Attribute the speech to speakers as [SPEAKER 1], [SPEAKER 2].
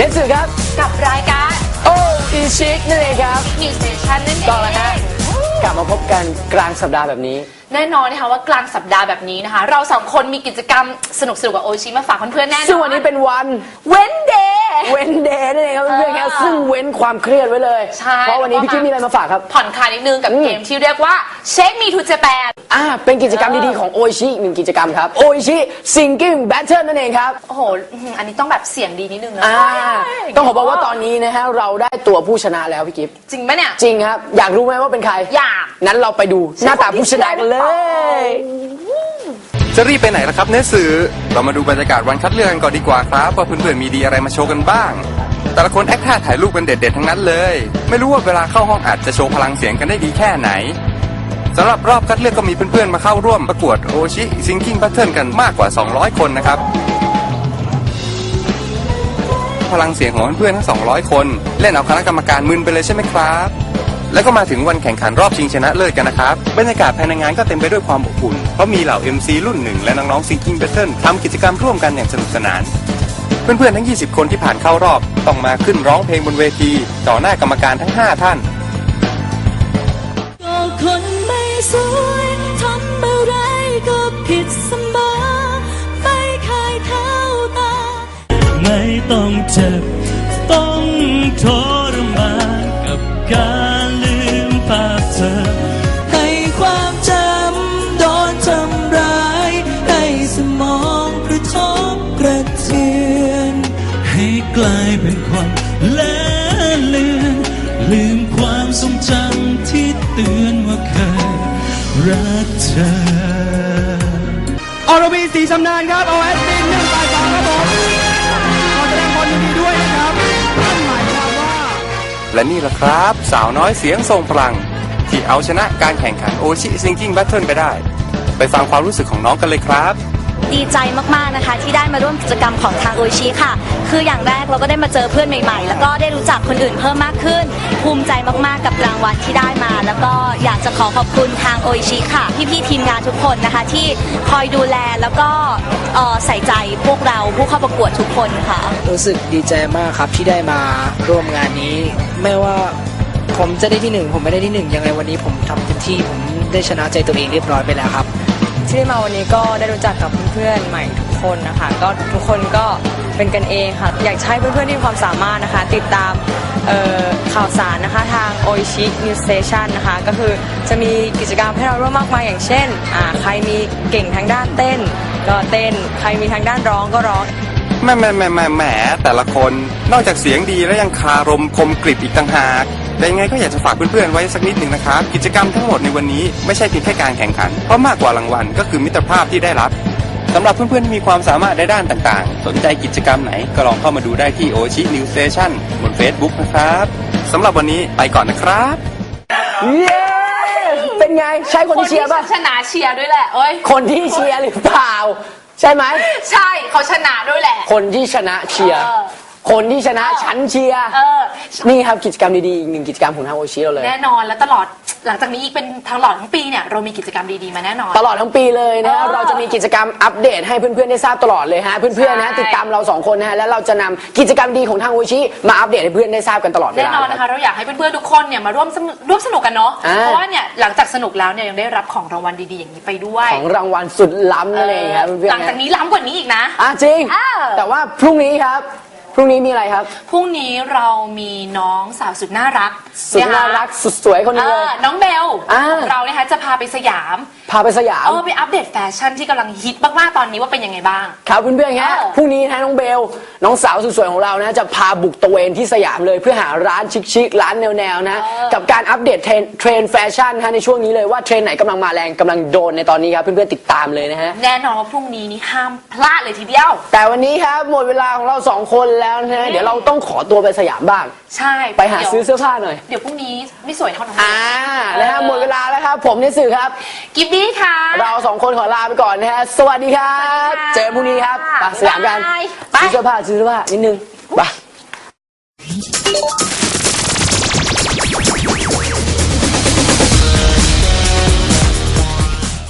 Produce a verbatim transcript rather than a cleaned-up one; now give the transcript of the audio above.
[SPEAKER 1] นสื่อครับ
[SPEAKER 2] กับรายการ
[SPEAKER 1] โออีชิคนั่นเองครับ
[SPEAKER 2] นิวสเตชันนั่นเอง
[SPEAKER 1] ต่อแล้วฮะกลับมาพบกันกลางสัปดาห์แบบนี้
[SPEAKER 2] แน่นอนนะคะว่ากลางสัปดาห์แบบนี้นะคะเราสองคนมีกิจกรรมสนุกๆกับโอชิมาฝากเพื่อนๆแน่นอน
[SPEAKER 1] ซึ่งวันนี้เป็นวัน
[SPEAKER 2] เว้นเดย์
[SPEAKER 1] เว้นเดย์นั่นเองครับเพื่อนๆครับซึ่งเว้นความเครียดไว้เลยเพราะวันนี้พี่กิ๊ฟมีอะไรมาฝากครับ
[SPEAKER 2] ผ่อนคลายนิดนึงกับเกมที่เรียกว่าเช็คมีทูเจแปน
[SPEAKER 1] อ่าเป็นกิจกรรมดีๆของโอชิหนึ่งกิจกรรมครับโอชิซิงกิ้งแบทเทิลนั่นเองครับ
[SPEAKER 2] โอ้โหอันนี้ต้องแบบเสียงดีนิดนึงนะ
[SPEAKER 1] ต้องขอบอกว่าตอนนี้นะฮะเราได้ตัวผู้ชนะแล้วพี่กิ๊ฟ
[SPEAKER 2] จริงไหมเนี่ย
[SPEAKER 1] จริงครับอยากรู้ไหมว่าเป็นใคร
[SPEAKER 2] อยาก
[SPEAKER 1] งั้นเราไปดูหน้าตาผู้ชนะกันเลย
[SPEAKER 3] จะรีบไปไหนล่ะครับเนื้อสื่อเรามาดูบรรยากาศวันคัดเลือกกันก่อนดีกว่าครับว่าเพื่อนๆมีดีอะไรมาโชว์กันบ้างแต่ละคนแอคท่าถ่ายรูปเป็นเด็ดๆทั้งนั้นเลยไม่รู้ว่าเวลาเข้าห้องอัดจะโชว์พลังเสียงกันได้ดีแค่ไหนสำหรับรอบคัดเลือกก็มีเพื่อนๆมาเข้าร่วมประกวดโอชิซิงกิ้งแพทเทิร์นกันมากกว่าสองร้อยคนนะครับพลังเสียงของเพื่อนๆทั้งสองร้อยคนเล่นเอาคณะกรรมการมึนไปเลยใช่ไหมครับแล้วก็มาถึงวันแข่งขันรอบชิงชนะเลิศกันนะครับบรรยากาศภายในงานก็เต็มไปด้วยความอบอุ่นเพราะมีเหล่า เอ็ม ซี รุ่นหนึ่งและน้องๆ Singing Battle ทำกิจกรรมร่วมกันอย่างสนุกสนานเพื่อนๆทั้งยี่สิบคนที่ผ่านเข้ารอบต้องมาขึ้นร้องเพลงบนเวทีต่อหน้ากรรมการทั้งห้าท่าน
[SPEAKER 4] ก็คนไม่สวยทำอะไรก็ผิดเสมอไม่เคยเท่าตาไม่ต้องเจ็บต้องทรมานกับการลืมภาพเธอให้ความจำโดนทำร้ายให้สมองกระทบกระเทือนให้กลายเป็นความเละเลือนลืมความทรงจำที่เตือนว่าเคยรักเธอ
[SPEAKER 5] อรวีศรีชำนาญครับ โอ เอส บี หนึ่ง แปด สองครับผมขอแสดงความยินดีด้วยนะครับนั่นหมายความว่า
[SPEAKER 3] และนี่แหละครับสาวน้อยเสียงทรงพลังที่เอาชนะการแข่งขันโอชิซิงกิ้งแบทเทิลไปได้ไปฟังความรู้สึกของน้องกันเลยครับ
[SPEAKER 6] ดีใจมากๆนะคะที่ได้มาร่วมกิจกรรมของทางโอชิค่ะคืออย่างแรกเราก็ได้มาเจอเพื่อนใหม่ๆแล้วก็ได้รู้จักคนอื่นเพิ่มมากขึ้นภูมิใจมากๆกับรางวัลที่ได้มาแล้วก็อยากจะขอขอบคุณทางโอชิค่ะพี่ๆทีมงานทุกคนนะคะที่คอยดูแลแล้วก็ใส่ใจพวกเราผู้เข้าประกวดทุกคนค่ะ
[SPEAKER 7] รู้สึกดีใจมากครับที่ได้มาร่วมงานนี้ไม่ว่าผมจะได้ที่หนึ่งผมไม่ได้ที่หนึ่งยังไงวันนี้ผมทำเต็มที่ผมได้ชนะใจตัวเองเรียบร้อยไปแล้วครับ
[SPEAKER 8] ที่มาวันนี้ก็ได้รู้จักกับเพื่อนๆใหม่ทุกคนนะคะก็ทุกคนก็เป็นกันเองค่ะอยากให้เพื่อนๆที่มีความสามารถนะคะติดตามข่าวสารนะคะทางโอชินิวสเตชันนะคะก็คือจะมีกิจกรรมให้เราร่วมมากมายอย่างเช่นใครมีเก่งทางด้านเต้นก็เต้นใครมีทางด้านร้องก็ร้อง
[SPEAKER 3] แหมแหมแหมแหมแหมแต่ละคนนอกจากเสียงดีแล้วยังคารมคมกริบอีกต่างหากแต่ยังไงก็อยากจะฝากเพื่อนๆไว้สักนิดหนึ่งนะครับกิจกรรมทั้งหมดในวันนี้ไม่ใช่เพียงแค่การแข่งขันเพราะมากกว่ารางวัลก็คือมิตรภาพที่ได้รับสำหรับเพื่อนๆที่มีความสามารถในด้านต่างๆสนใจกิจกรรมไหนก็ลองเข้ามาดูได้ที่โอชินิวสเตชันบน Facebook นะครับสำหรับวันนี้ไปก่อนนะครับ
[SPEAKER 1] เย้เป็นไงใช่คนที่เชียร์ป่ะ
[SPEAKER 2] ชนะเชียร์ด้วยแหละเอ้ย
[SPEAKER 1] คนที่เชียร์หรือเปล่าใช่ไหม
[SPEAKER 2] ใช่เขาชนะด้วยแหละ
[SPEAKER 1] คนที่ชนะเชียร์คนที่ชนะฉันเชียร์นี่ครับกิจกรรมดีๆอีกหนึ่งกิจกรรมของทางโอชิเราเลย
[SPEAKER 2] แน่นอนแล้วตลอดหลังจากนี้อีกเป็นทางหลอดทั้งปีเนี่ยเรามีกิจกรรมดีๆมาแน่นอน
[SPEAKER 1] ตลอดทั้งปีเลยนะเราจะมีกิจกรรมอัปเดตให้เพื่อนๆได้ทราบตลอดเลยฮะเพื่อนๆนะติดตามเราสองคนนะฮะแล้วเราจะนำกิจกรรมดีของทางโอชิมาอัปเดตให้เพื่อนได้ทราบกันตลอดเวลา
[SPEAKER 2] แน่นอนนะคะเราอยากให้เพื่อนๆทุกคนเนี่ยมาร่วมร่วมสนุกกันเนาะเพราะว่าเนี่ยหลังจากสนุกแล้วเนี่ยยังได้รับของรางวัลดีๆอย่างนี้ไปด้วย
[SPEAKER 1] ของรางวัลสุดล้ำนั่นเองครับเพื่อนๆ
[SPEAKER 2] หลังจากนี้ล้ำกว่านี้อีกนะ
[SPEAKER 1] อ่ะจริงแต่ว่าพรุ่งนี้ครับพรุ่งนี้มีอะไรครับ
[SPEAKER 2] พรุ่งนี้เรามีน้องสาวสุดน่ารัก
[SPEAKER 1] สุดน่ารักสุดสวยคนนี้เลย
[SPEAKER 2] น้องเบลของเรานะคะจะพาไปสยาม
[SPEAKER 1] พาไปสยาม
[SPEAKER 2] เออไปอัปเดตแฟชั่นที่กำลังฮิตมากๆตอนนี้ว่าเป็นยังไงบ้าง
[SPEAKER 1] ครับเพื่อนๆฮะพรุ่งนี้นะน้องเบลน้องสาวสุดสวยของเรานะจะพาบุกตะเวนที่สยามเลยเพื่อหาร้านชิคๆร้านแนวๆนะกับการอัปเดตเทรนเทรนแฟชั่นฮะในช่วงนี้เลยว่าเทรนไหนกำลังมาแรงกำลังโดนในตอนนี้ครับเพื่อนๆติดตามเลยนะฮะ
[SPEAKER 2] แน่นอนว่าพรุ่งนี้นี่ห้ามพลาดเลยทีเดียว
[SPEAKER 1] แต่วันนี้ครับหมดเวลาของเราสองคนแล้วนะเดี๋ยวเราต้องขอตัวไปสยามบ้าง
[SPEAKER 2] ใช่
[SPEAKER 1] ไปหาซื้อเสื้อผ้าหน่อย
[SPEAKER 2] เดี๋ยวพรุ่งนี้ไม่สวยเท่านั้น
[SPEAKER 1] อ่านะฮะหมดเวลาแล้วครับผมในสื่อครับ
[SPEAKER 2] กิฟบี้ค่ะ
[SPEAKER 1] เราสองคนขอลาไปก่อนนะฮะสวัสดีครับเจอพรุ่งนี้ครับไปสยามกันซื้อเสื้อผ้าซื้อเสื้อผ้านิดนึงไป